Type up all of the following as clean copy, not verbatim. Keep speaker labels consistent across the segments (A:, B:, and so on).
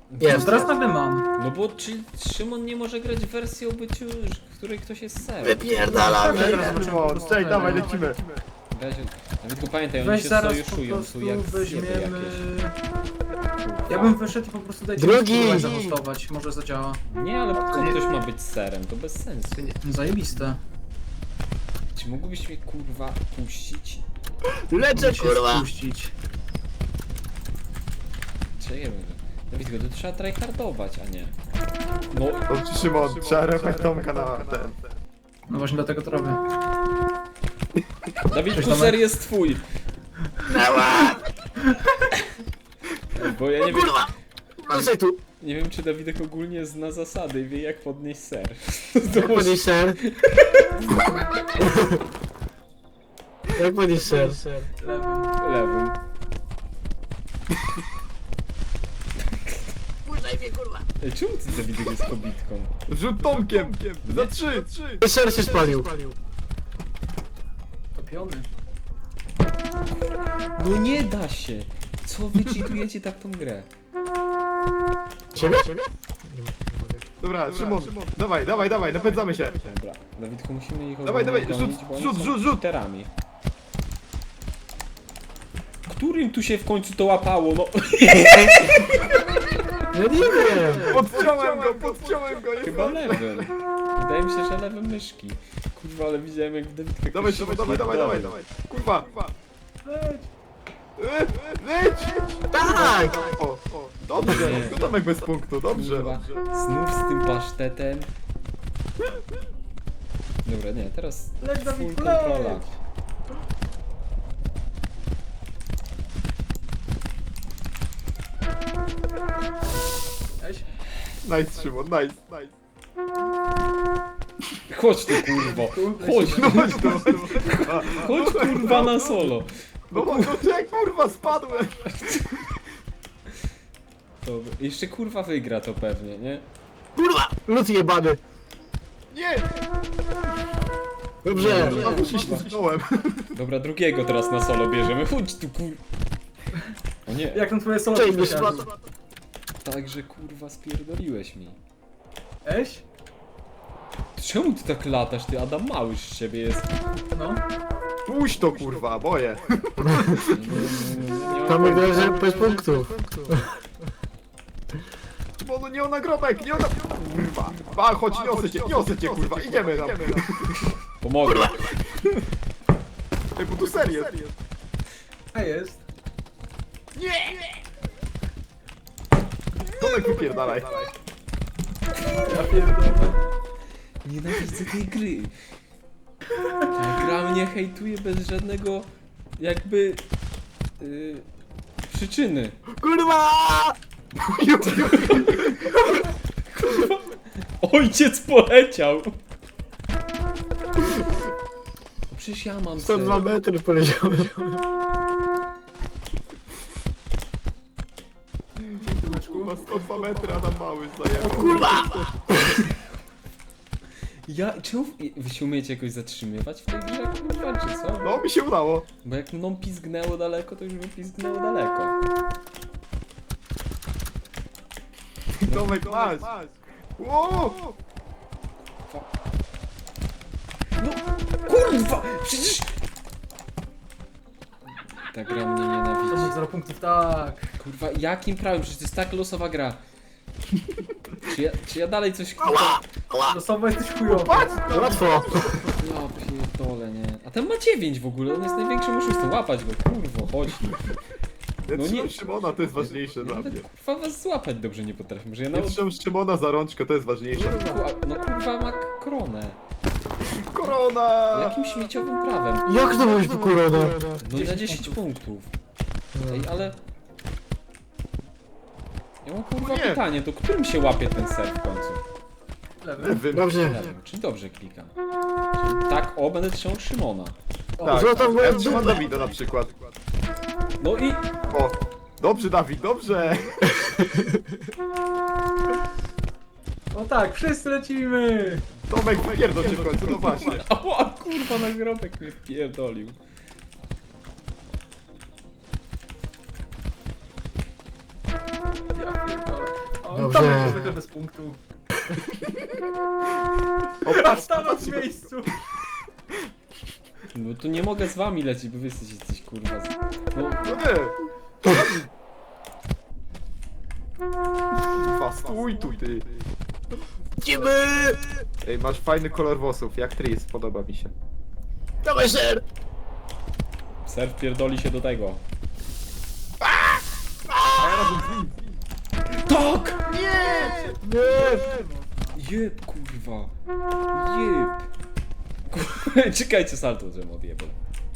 A: Jest. Teraz nagle mam.
B: No bo czy Szymon nie może grać w wersji o byciu, w której ktoś jest serem?
A: Wypierdalamy.
C: Szymon, cześć, dawaj, lecimy.
B: Nawet go pamiętaj, oni
A: Weź
B: się
A: zaraz po
B: sojuszują tu
A: prostu
B: jak
A: weźmiemy...
B: jakieś.
A: Ja bym wyszedł i po prostu dajcie
D: Drugi!
A: mi zahostować, może zadziała.
B: Nie, ale po co ktoś ma być serem? To bez sensu.
A: Zajebiste.
B: Czy mógłbyś mnie kurwa puścić?
D: Lecę,
A: Się
D: kurwa!
A: spuścić.
B: Czy nie wiem. Dawid, to trzeba tryhardować, a nie. No,
C: Dobrze, Szymon, trzeba repać Tomka na ten.
A: No właśnie dlatego to robię.
B: Dawid,
A: Cześć,
B: puser
A: Tomek.
B: jest twój. Bo ja nie wiem,
D: Proszę tu!
B: nie wiem czy Dawidek ogólnie zna zasady i wie jak podnieść ser.
D: Jak podnieść ser? Jak podnieść ser?
A: Lewym.
B: Lewym.
D: Puszczaj mnie, kurwa!
B: Ej, czemu ty Dawidek jest kobitką?
C: Rzut Tomkiem! Za 3!
D: Ser się spalił.
A: Topiony.
B: No nie da się! Co wy cheatujecie tak tą grę?
D: Ciebie?
C: Dobra, Szymon, dawaj, napędzamy się.
B: Dobra, Dawidku musimy ich
C: Dawaj,
B: ogólnie
C: rzut,
B: gonić, bo oni
C: rzut,
B: są
C: rzut, rzut.
B: cheaterami. Którym tu się w końcu to łapało? No
D: Ja nie wiem!
C: Podciąłem go,
B: chyba lewym. Wydaje mi się, że lewym myszki. Kurwa, ale widziałem jak Dawidek...
C: Dawaj, Szymon, dawaj. Kurwa. Leć!
D: Tak!
C: O, dobrze,
B: Nie.
C: no Tomek bez punktu, dobrze.
B: Kurwa, znów z tym pasztetem. Dobra, nie, teraz
A: Leć,
B: full
A: Dawid,
B: kontrola.
A: leć! Weź.
C: Nice, Szymon, nice.
B: Chodź tu kurwo, chodź,
C: No chodź tu,
B: chodź kurwa na solo.
C: no jak kurwa spadłem.
B: Dobra. Jeszcze kurwa wygra to pewnie, nie?
D: Kurwa! Lud jebany!
C: Nie!
D: Dobrze!
C: Znowu się ślizgnąłem.
B: Dobra, drugiego teraz na solo bierzemy, chodź tu kur... O nie,
A: Jak tam twoje solo
D: Cześć, nie
A: wysiadło?
D: spadł.
B: także kurwa spierdoliłeś mi.
A: Eś?
B: Czemu ty tak latasz, ty Adam Małysz z ciebie jest?
A: No.
C: Puść to kurwa, boję.
D: Tam wygląda, że bez punktów.
C: Bo no nie o nagrobek, nie o na... Kurwa. A, chodź, niosę cię kurwa, idziemy tam.
B: Pomogę.
C: Ej, bo tu serię.
A: A jest.
C: Tomek wypierdalaj.
A: Ja pierdolę.
B: Nienawidzę tej gry. Ta gra mnie hejtuje bez żadnego jakby przyczyny.
D: Kurwa!
B: Ojciec poleciał! Przecież ja mam
D: 102
B: ser.
D: metry poleciałem.
C: Kurwa, 102 metry, Adam Mały zajebał.
D: Kurwa!
B: Czemu wy się umiecie jakoś zatrzymywać w tej grze, kurwa, czy co?
C: No, mi się udało.
B: Bo jak mną pizgnęło daleko, to już by pizgnęło daleko.
C: Tomek, masz. Ło!
B: No, kurwa! Przecież... Ta gra mnie
A: To
B: nienawidzi.
A: 0 punktów, tak.
B: Kurwa, jakim prawem? Przecież to jest tak losowa gra. Czy ja dalej coś...
A: Losowo jesteś chujowy.
D: Łatwo!
B: Ja pierdolę, nie. A ten ma 9 w ogóle, on jest największym oszustem. Łapać go, kurwo, chodź.
C: Ja
B: No
C: trzymam
B: nie-
C: Szymona, to jest ważniejsze
B: Ja
C: dla
B: nawet
C: mnie.
B: kurwa was złapać dobrze nie potrafię. Może ja
C: Ja
B: nawet...
C: trzymam Szymona za rączkę, to jest ważniejsze.
B: No kurwa ma koronę.
C: Korona!
B: Jakim śmieciowym prawem?
D: Jak to mówisz po koronę?
B: No na 10 punktów. Ej, ale... Ja mam kurwa
C: Nie.
B: pytanie, to którym się łapie ten ser w końcu?
A: Lewy.
C: Lewym.
D: Dobrze.
B: Nie wiem, czy dobrze klikam? Czyli tak, o, będę trzymał Szymona.
C: Tak,
D: Złota
C: tak.
D: moja
C: Ja trzymam
D: dupa.
C: Dawida na przykład.
B: No i...
C: O, dobrze Dawid, dobrze.
A: O tak, wszyscy lecimy!
C: Tomek, wypierdol się w końcu, no właśnie.
B: Ała, kurwa, nagrobek mnie wpierdolił.
A: Ja pierdolę. Tomek
D: Dobrze.
A: zwykle bez punktu.
C: O, patrz,
A: Stanął w miejscu.
B: No to nie mogę z wami lecieć, bo wy jesteście kurwa. No,
C: no nie. Kurwa, stój tu, ty.
D: Idziemy!
C: Ej, masz fajny kolor włosów, jak Tris, podoba mi się.
D: Dawaj, ser!
B: Surf pierdoli się do tego.
C: A ja razem z nim.
B: Tak!
C: Nie!
B: Jeb, kurwa. Jeb. Kurwa, czekajcie, salto, żebym odjebał.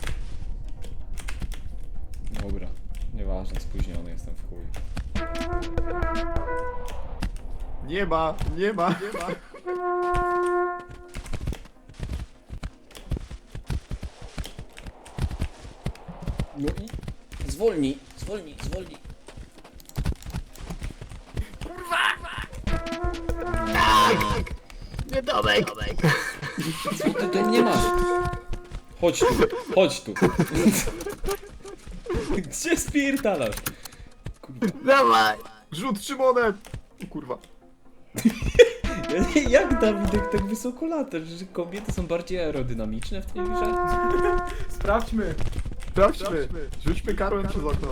B: Dobra, nieważne, spóźniony jestem w chuj.
C: Nie ma, nie ma, nie ma.
B: No i... Zwolnij, zwolnij, zwolnij.
D: Nie Tomek!
B: Co ty do mnie masz? Chodź tu, chodź tu. Gdzie spierdalasz? Kurwa.
D: Dawaj!
C: Rzut Szymonem! O kurwa.
B: Jak Dawidek tak wysoko latasz, że kobiety są bardziej aerodynamiczne w tej grze?
A: Sprawdźmy.
C: Sprawdźmy. Rzućmy karłem przez okno.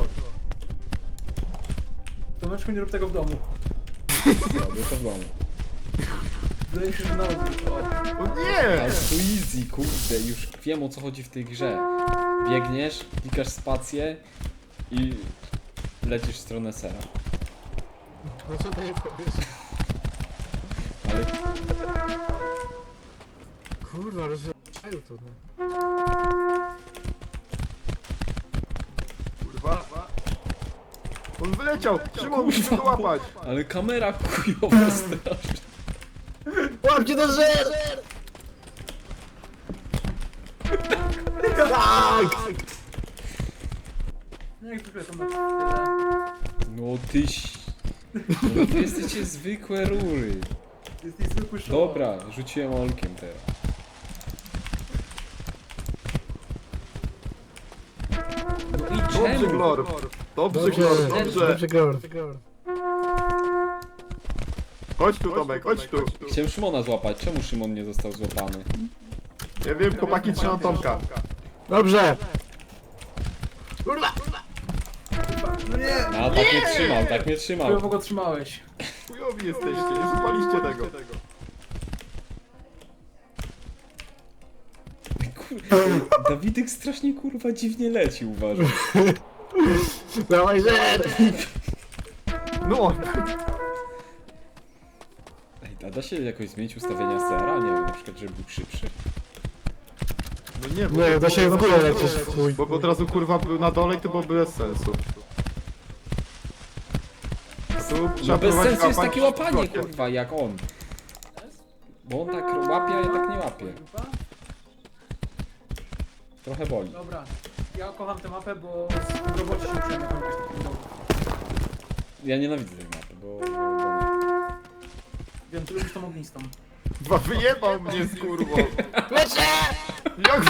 A: Tomeczku, nie rób tego w domu.
B: Robię to w domu.
A: Wydaje się, że nawet.
C: O nie!
B: Ale to easy, kurde, już wiem o co chodzi w tej grze. Biegniesz, klikasz spację i lecisz w stronę sera.
D: No co ty nie powiesz?
B: Ale
D: Kurwa, rozumiem to, no.
C: Kurwa. On wyleciał! Szymon, musimy go łapać!
B: Ale kamera chujowa strasznie.
D: Łapcie do żer! Tak!
A: No jak zwykle Tomek.
B: No tyś... No wy jesteście zwykłe rury.
A: Jesteś zwykły show.
B: Dobra, rzuciłem olkiem teraz. No i
C: Dobrze,
B: czemu?
C: Glor! Dobrze,
D: Dobrze,
C: Glor, dobrze!
D: dobrze, Glor.
C: Chodź tu, Tomek, chodź tu!
B: Chciałem Szymona złapać, czemu Szymon nie został złapany?
C: Ja wiem, chłopaki trzymam Tomka.
D: Dobrze! Kurwa!
A: No nie!
B: No tak mnie trzymał, tak mnie trzymał.
A: Chujowo go trzymałeś.
C: Chujowi jesteście, nie złapaliście tego.
B: Dawidek strasznie kurwa dziwnie leci, uważam.
D: Dawaj, żer!
C: No!
B: Ej, a da się jakoś zmienić ustawienia CR-a? Nie wiem, na przykład, żeby był szybszy.
C: No nie,
D: Nie, da się w górę lecieć w chuj.
C: Bo od razu kurwa był na dole i to byłoby bez sensu. Tu
B: No
C: trzeba
B: bez
C: próbować
B: sensu jest
C: łapać
B: takie łapanie,
C: krokiem.
B: kurwa, jak on. Bo on tak łapie, a ja tak nie łapię. Trochę boli.
A: Dobra. Ja kocham tę mapę, bo w robocie się uczyłem jak robić taki dowód.
B: Ja nienawidzę tej mapy, bo...
A: Wiem, ty lubisz tą ognistą.
C: Dwa wyjebał mnie z kurwą.
D: Lecę!
C: Jak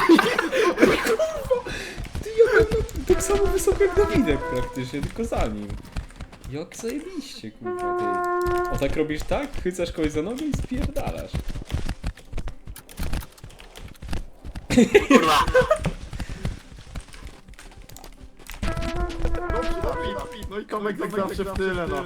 B: Ty, ja tak samo wysoko jak Dawidek praktycznie, tylko za nim. Jak zajebiście, kurwa, ty. O tak robisz tak? Chycasz kogoś za nogę i spierdalasz.
C: No i Tomek tak zawsze w tyle, no.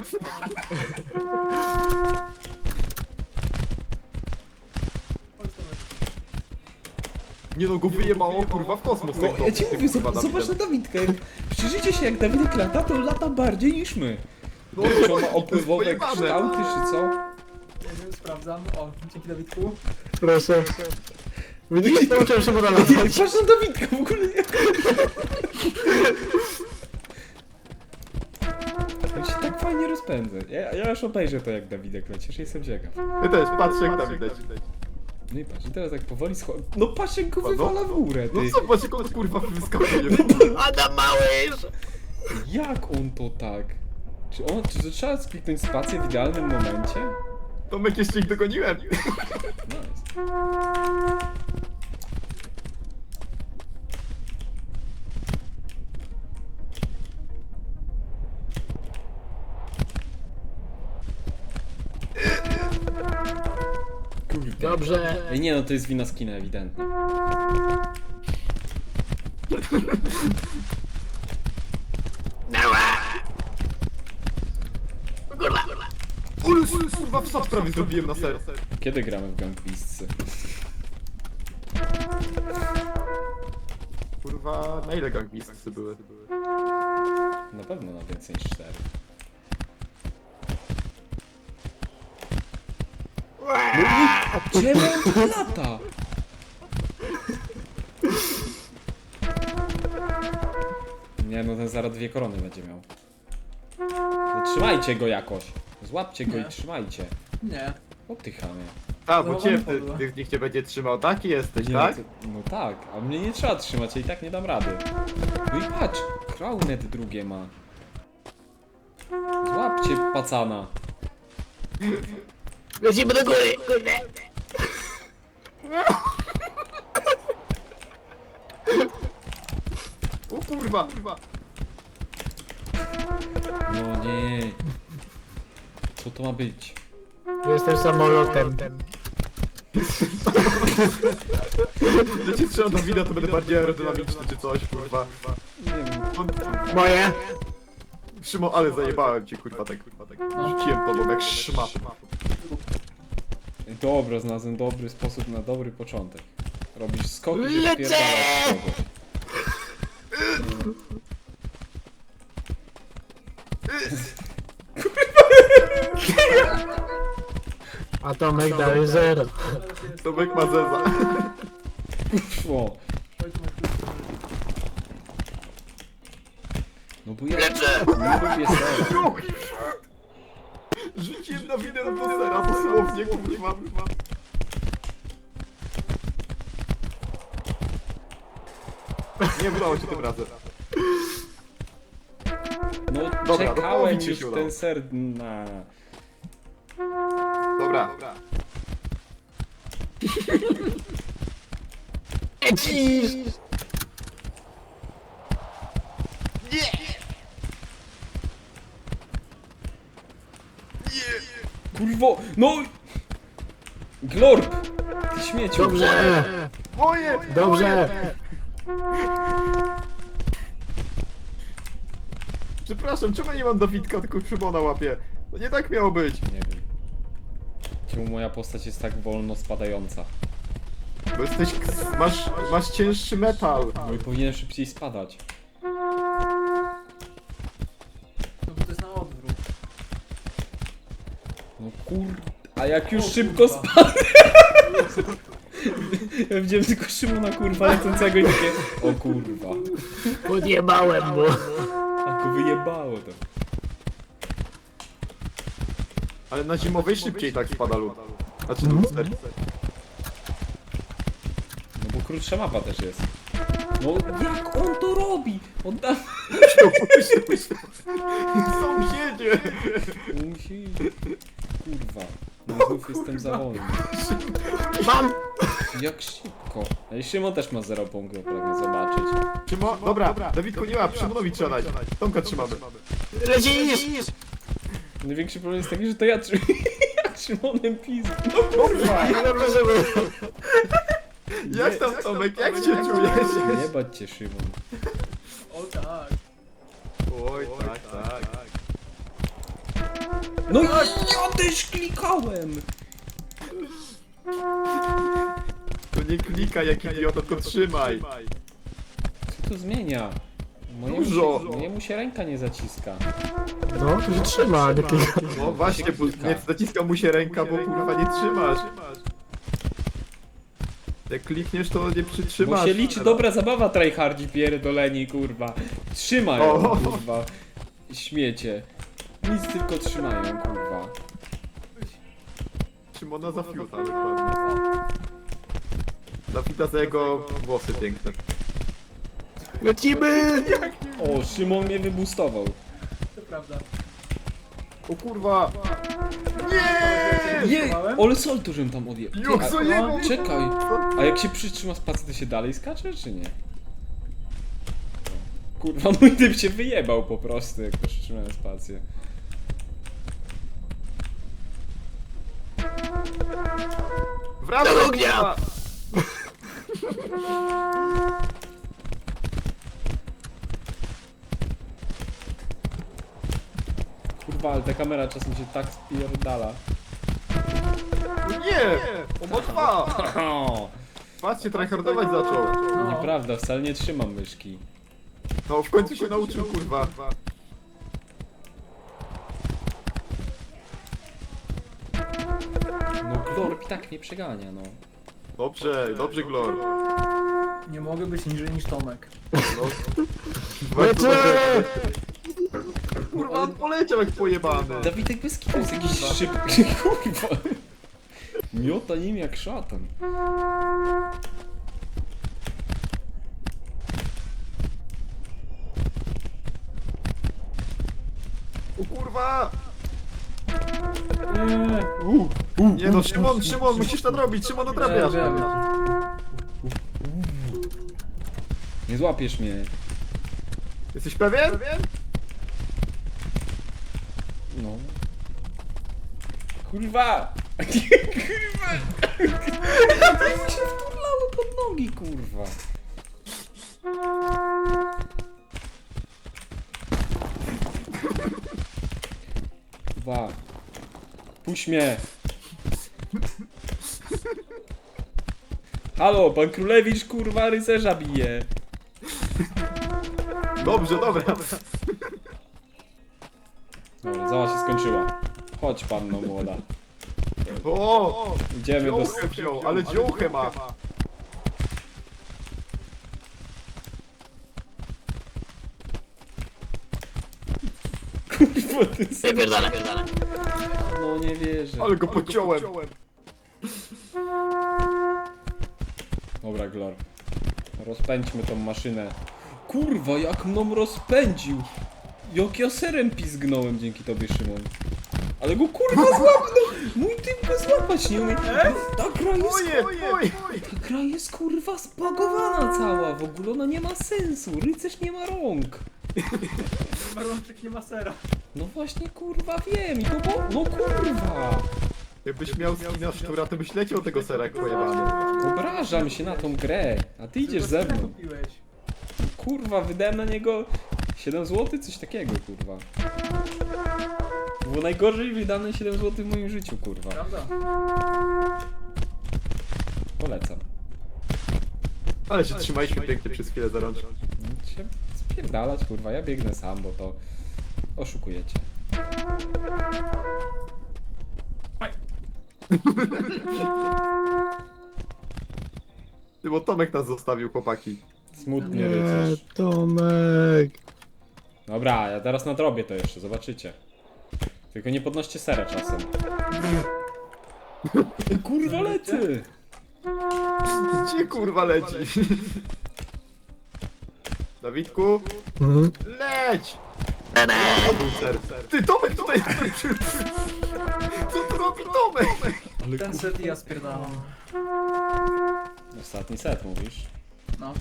A: Chodź, Tomek.
C: Nie no, go wyjebało kurwa w kosmos.
B: No,
C: tego,
B: ja ci
C: tym,
B: mówię,
C: kurwa,
B: zobacz na
C: Dawidem.
B: Dawidkę. Przyjrzyjcie się, jak Dawidek lata, to lata bardziej niż my.
C: No,
B: Czy on ma opływowe
C: pojebane.
B: kształty, czy co?
A: Nie wiem, sprawdzam. O, dzięki Dawidku.
D: Proszę. Widzisz, nauczyłem się podać.
B: Patrz na Dawidka, w ogóle nie. On się tak fajnie rozpędza. Ja już obejrzę to, jak Dawidek leci, że jestem ciekaw.
C: Ty też, patrz jak Dawid leci.
B: No i patrz, i teraz tak powoli schodzi. No patrz, jak go wywala w górę,
C: No
B: ty.
C: zobacz jak on kurwa wyskakuje.
D: Adam Małysz!
B: Jak on to tak? Czy to trzeba kliknąć spację w idealnym momencie?
C: Tomek jeszcze ich dogoniłem.
B: Nice. Kurde.
D: Dobrze.
B: Ej, nie no, to jest wina skina ewidentnie.
C: Ule, kurwa, wsad prawie zrobiłem na ser.
B: Kiedy gramy w Gang Beastsy?
C: Kurwa, na ile Gang Beastsy były?
B: Na pewno na więcej niż 4. Czemu on tu lata? Nie no, ten zaraz 2 korony będzie miał. No, trzymajcie go jakoś. Złapcie go i
A: Nie.
B: trzymajcie.
A: Nie.
B: O ty chamie.
C: A, bo
A: No,
C: cię
A: on podła.
C: nikt cię będzie trzymał, taki jesteś,
B: Nie,
C: tak?
B: No tak, a mnie nie trzeba trzymać, ja i tak nie dam rady. No i patrz, Crownet drugie ma. Złapcie pacana.
D: Lecimy do góry, kurde.
C: O kurwa, kurwa.
B: No nie. Co to ma być?
D: Jestem samolotem.
C: Jak cię trzymam do wina, to będę bardziej aerodynamiczny czy coś, kurwa.
B: Nie wiem.
D: Moje.
C: Szymon, ale zajebałem cię, kurwa, tak. Rzuciłem tobą jak szmat.
B: Dobra, znalazłem dobry sposób na dobry początek. Robisz skok i
D: Lecę!
B: wypierdalasz kogoś.
D: Atomek dalej 0.
C: Tomek ma zeza.
B: Szło.
A: Oj, tu masz klucz.
B: No bo ja nie lubię sera.
C: Rzuciłem na winę do sera, dosłownie, kurwa. Nie udało się tym razem.
B: No
C: Dobra, do
B: czekałem
C: połowy ci
B: już
C: się
B: w
C: udało.
B: ten ser na...
C: Dobra.
D: Lecisz!
B: Kurwo, no! Glorp! Ty śmieciu!
D: Dobrze!
C: Moje!
D: Dobrze!
C: Przepraszam, czemu ja nie mam Dawidka, tylko Szymona łapie? To nie tak miało być.
B: Nie wiem. Czemu moja postać jest tak wolno spadająca?
C: Bo jesteś... Masz cięższy metal.
B: No i powinien szybciej spadać.
A: No bo to jest na odwrót.
B: No kur... A jak już
A: O,
B: szybko
A: kurwa.
B: spadł... Ja widziałem tylko Szymona kurwa lecącego i takie... O kurwa.
D: Podjebałem mu.
B: A go wyjebało to.
C: Ale na zimowej szybciej tak spada lód. Znaczy luster.
B: No bo krótsza mapa też jest. No jak on to robi? On tam...
C: Sąsiedzie!
B: Musi... Kurwa. No znów jestem za wolny.
D: Mam!
B: Jak szybko. Ej, Szymon też ma 0 punktów, pragnę zobaczyć.
C: Szymon, dobra, Dawidku nie łap, Szymonowi trzeba dać. Tomka trzymamy.
D: Lecisz!
B: Największy problem jest taki, że to ja jak Szymonem pizdę.
C: Kurwa!
D: Dobrze, żeby...
C: Jak tam Tomek, jak się czujesz?
B: Nie bać cię, Szymon.
A: O tak.
C: Oj, tak.
B: No i ja też klikałem!
C: To nie klikaj jak idiota, tylko trzymaj.
B: Co to zmienia?
C: Dużo.
B: Mojemu się ręka nie zaciska.
D: No, to się trzyma, nie klika.
C: No właśnie, bo nie zaciska mu się ręka, bo kurwa nie trzymasz. Jak klikniesz, to nie przytrzymasz.
B: Bo się liczy dobra zabawa, tryhardzi pierdoleni, kurwa. Trzymają,
C: O.
B: kurwa. Śmiecie. Nic tylko trzymają, kurwa.
C: Szymona za fiuta, dokładnie. Dawida za jego włosy piękne.
D: Lecimy!
B: O, Szymon mnie wybustował.
A: To prawda.
C: O kurwa!
B: Jej, ale salto, żem tam odjechał.
C: Jak zajebał!
B: Czekaj, a jak się przytrzyma spacji, to się dalej skacze, czy nie? Kurwa, mój typ się wyjebał po prostu, jak przytrzymałem spację.
C: Wracaj,
D: Do ognia!
C: kurwa!
B: Kurwa, ale ta kamera czasem się tak spierdala.
C: Nie! On ma 2!
B: O,
C: Patrzcie, tryhardować zaczął.
A: No.
B: nieprawda, wcale nie trzymam myszki.
C: No w końcu się nauczył, kurwa.
B: No Glorp i tak mnie przegania, no.
C: Dobrze, dobrze, Glor.
A: Nie mogę być niżej niż Tomek.
C: No.
D: Lecę!
C: Kurwa, on poleciał jak pojebany.
B: Dawidek bez kitu jest jakiś szybki, kurwa. Miota nim jak szatan.
C: O kurwa!
A: Nie.
C: Nie no, Szymon, musisz to robić, Szymon odrabiasz.
A: Wiem.
B: Nie złapiesz mnie.
C: Jesteś pewien?
B: No. Kurwa! Kurwa! To mi się wturlało pod nogi, kurwa. Kurwa. Puść mnie! Halo, pan Królewicz, kurwa, rycerza bije.
C: Dobrze, dobra.
B: Dobra, zała się skończyła. Chodź, panno młoda.
C: O!
B: Idziemy do...
C: Dziołchę wziął, ale dziołchę ma.
B: Kurwa, ty
D: Wypierdalaj.
B: No nie wierzę.
C: Ale go pociąłem.
B: Dobra, Glor. Rozpędźmy tą maszynę. Kurwa, jak mną rozpędził! Jak ja serem pizgnąłem dzięki tobie, Szymon. Ale go kurwa złapnął! Mój typ go złapać nie umie. Ta gra jest...
C: Oje!
B: Ta gra jest kurwa spagowana cała. W ogóle ona nie ma sensu. Rycerz nie ma rąk.
A: Marlonczyk nie ma sera.
B: No właśnie kurwa wiem i to bo... No kurwa!
C: Jakbyś miał skina szczura, to byś leciał tego sera jak pojebany.
B: Obrażam się na tą grę. A ty idziesz ze mną.
A: Kupiłeś.
B: Kurwa, wydałem na niego 7 zł? Coś takiego, kurwa. Było najgorzej wydane 7 zł w moim życiu, kurwa.
A: Prawda?
B: Polecam.
C: Ale się trzymaliśmy pięknie przez chwilę za rączkę.
B: Się spierdalać, kurwa, ja biegnę sam, bo to oszukujecie.
A: Aj.
C: Ty, bo Tomek nas zostawił, chłopaki.
B: Smutnie, rycerz.
D: Tomek.
B: Dobra, ja teraz nadrobię to jeszcze, zobaczycie. Tylko nie podnoście sera czasem. Kurwa, lecę!
C: Gdzie kurwa leci? Dawidku,
D: Mhm.
C: leć! A był ser. Ty, Tomek tutaj! Co tu robi Tomek?
A: Ten set i ja spierdalam.
B: Ostatni set, mówisz?
A: No.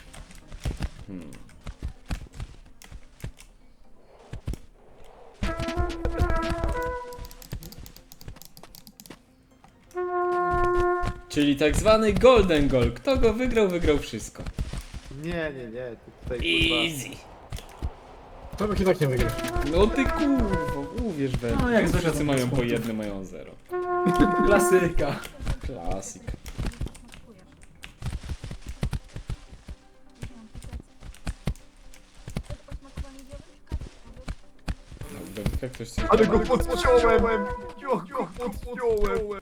B: Czyli tak zwany golden goal. Kto go wygrał, wygrał wszystko.
C: Nie, ty tutaj kurwa...
D: Tomek i tak nie wygra.
B: No ty kurwa, uwierz we mnie.
A: No, jak
B: Wszyscy
A: zwykle
B: mają
A: są
B: po jednym, mają 0.
A: Klasyka.
B: Klasyk. Jak ktoś chce...
C: Ale go podciąłem! Jak go podciąłem!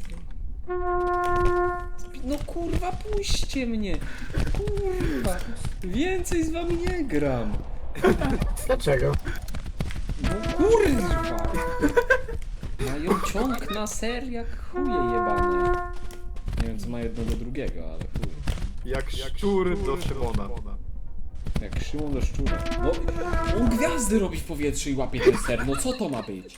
B: No kurwa, puśćcie mnie! Kurwa! Więcej z wami nie gram!
D: Dlaczego?
B: No kurwa! Mają ciąg na ser jak chuje jebane. Nie wiem co ma jedno do drugiego, ale chuj.
C: Jak szczur do Szymona.
B: Jak Szymon do szczura. No, on gwiazdy robi w powietrzu i łapie ten ser, no co to ma być?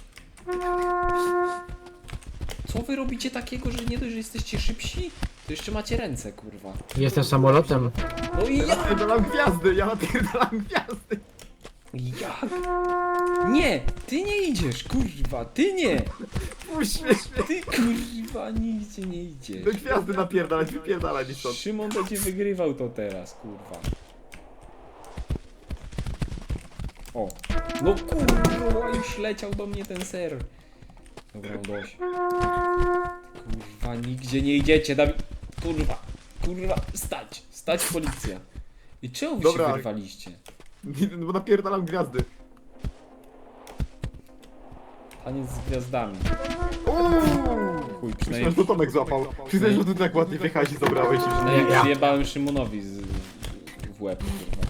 B: Co wy robicie takiego, że nie dość, że jesteście szybsi, to jeszcze macie ręce, kurwa.
D: Jestem samolotem.
B: No i
C: Ja
B: jak?
C: napierdalam gwiazdy, ja napierdalam gwiazdy!
B: Jak? Nie! Ty nie idziesz, kurwa, ty nie!
C: puść mnie!
B: Ty kurwa, nigdzie nie idzie.
C: Do gwiazdy napierdalać, wypierdalać mi stąd.
B: Szymon będzie wygrywał to teraz, kurwa. O, no kurwa, już leciał do mnie ten ser. Dobra, dość. Kurwa, nigdzie nie idziecie, Dawid. Kurwa, kurwa, stać policja. I czemu wy
C: Dobra.
B: się wyrwaliście?
C: Bo napierdalam gwiazdy.
B: Taniec z gwiazdami. Chuj,
C: Myślałem,
B: przynajmniej,
C: że to Tomek złapał. Przyznaj, że ty tak ładnie wjechałeś i zabrałeś i
B: przynajmniej przyjebałem Szymonowi w łeb, kurwa.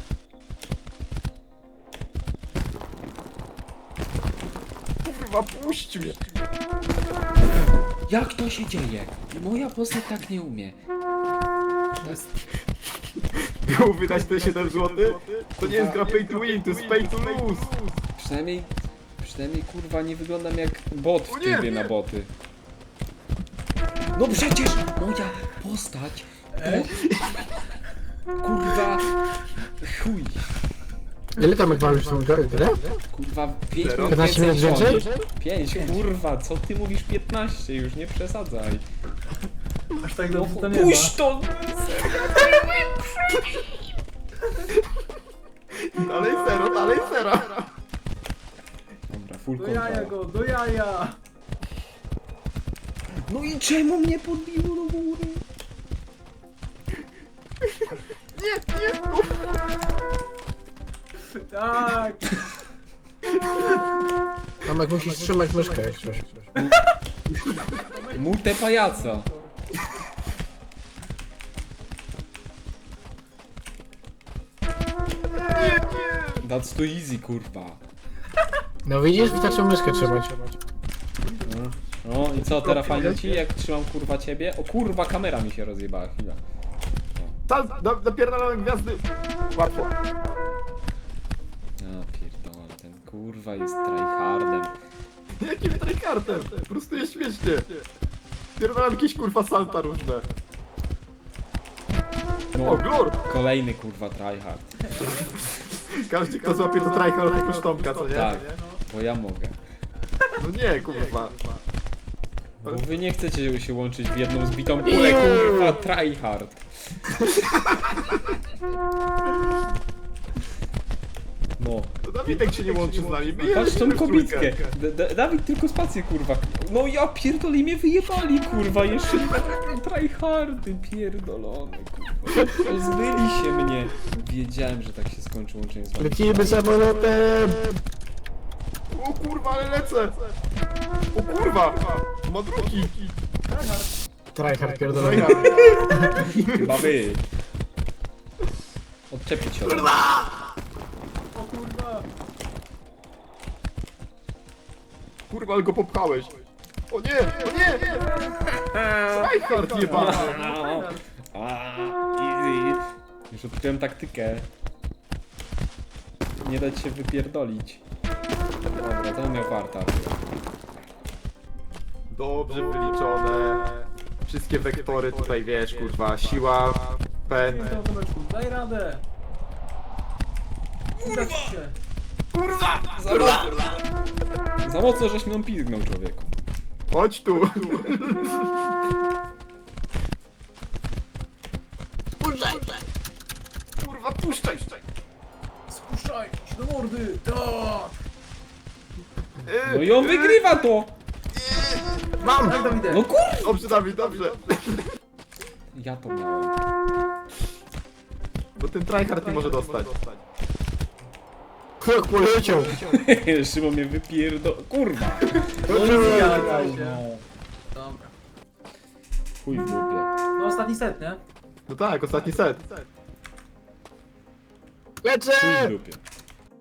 C: Kurwa, puść mnie!
B: Jak to się dzieje? Moja postać tak nie umie.
C: Miał wydać te 7 zł? To nie jest gra pay to win, to jest pay to lose!
B: Przynajmniej kurwa nie wyglądam jak bot w
C: O nie,
B: trybie
C: nie.
B: na boty. No przecież moja postać to... Kurwa... Chuj.
D: Ile tam jak już tą grę?
B: Kurwa 5
C: Zero?
B: minut
D: 15 minut
B: więcej
D: więcej?
B: 5, kurwa, co ty mówisz 15 już, nie przesadzaj.
A: Aż tak dobrze to nie ma.
B: Puść to!
C: Dalej zero, dalej zero!
B: Dobra, full
A: Do jaja
B: control.
A: go, do jaja!
B: No i czemu mnie podbiło do góry?
A: Tak!
D: Tam jak musisz trzymać myszkę jak coś.
B: Multę pajaca. That's too easy, kurwa.
D: No widzisz, wystarczy myszkę trzymać.
B: No i co, teraz fajnie ci, jak trzymam kurwa ciebie? O kurwa, kamera mi się rozjebała, chwila.
C: Tam, napierdalałem gwiazdy! Łatwo.
B: A pierdolę, ten kurwa jest tryhardem.
C: Jakim trykartem? Po prostu jest śmiesznie. Pierdalam jakieś kurwa salta różne. O,
B: No,
C: glor!
B: kolejny kurwa tryhard.
C: Każdy kto złapie to tryhard tylko sztomka, co nie?
B: Tak, bo ja mogę.
C: No nie, kurwa.
B: Bo wy nie chcecie się łączyć w jedną zbitą kulę, kurwa tryhard. No.
C: To Dawidek się nie łączy z nami. My
B: Patrz tą
C: jedziemy w
B: kobitkę.
C: trójkę.
B: Dawid tylko spację, kurwa. No ja pierdolę, mnie wyjebali, kurwa. Jeszcze tryhardy pierdolone, kurwa. Pozbyli się mnie. Wiedziałem, że tak się skończy łączenie z wami.
D: Lecimy samolotem!
C: O kurwa, ale lecę! O kurwa! Ma drugi!
D: Tryhard pierdolony.
B: Chyba wy. Odczepić się ode mnie.
A: O kurwa!
C: Kurwa, ale go popchałeś. O nie, o nie! Tryhard jebany!
B: Easy. Już odkryłem taktykę. Nie dać się wypierdolić. Dobra, to miał farta.
C: Dobrze wyliczone. Wszystkie wektory tutaj, wiesz, kurwa, siła, pęd.
A: Daj Tomeczku, daj radę! Uda ci się!
B: Za mocno żeś mną pizgnął, człowieku.
C: Chodź tu! Kurwa, puszczaj!
A: Spuszczaj się do mordy! Tak!
B: No i on wygrywa to!
D: Mam!
A: Tak, Dawidek!
B: No kur...
C: Dobrze, Dawid, dobrze.
B: Ja to miałem.
C: Bo ten tryhard nie może dostać.
D: Jak poleciał!
B: Szymon mnie Kurwa!
A: Zgadza się. Dobra.
B: Chuj w dupie.
A: No ostatni set, nie?
C: No tak, ostatni set.
D: Lecę!
B: Chuj w dupie.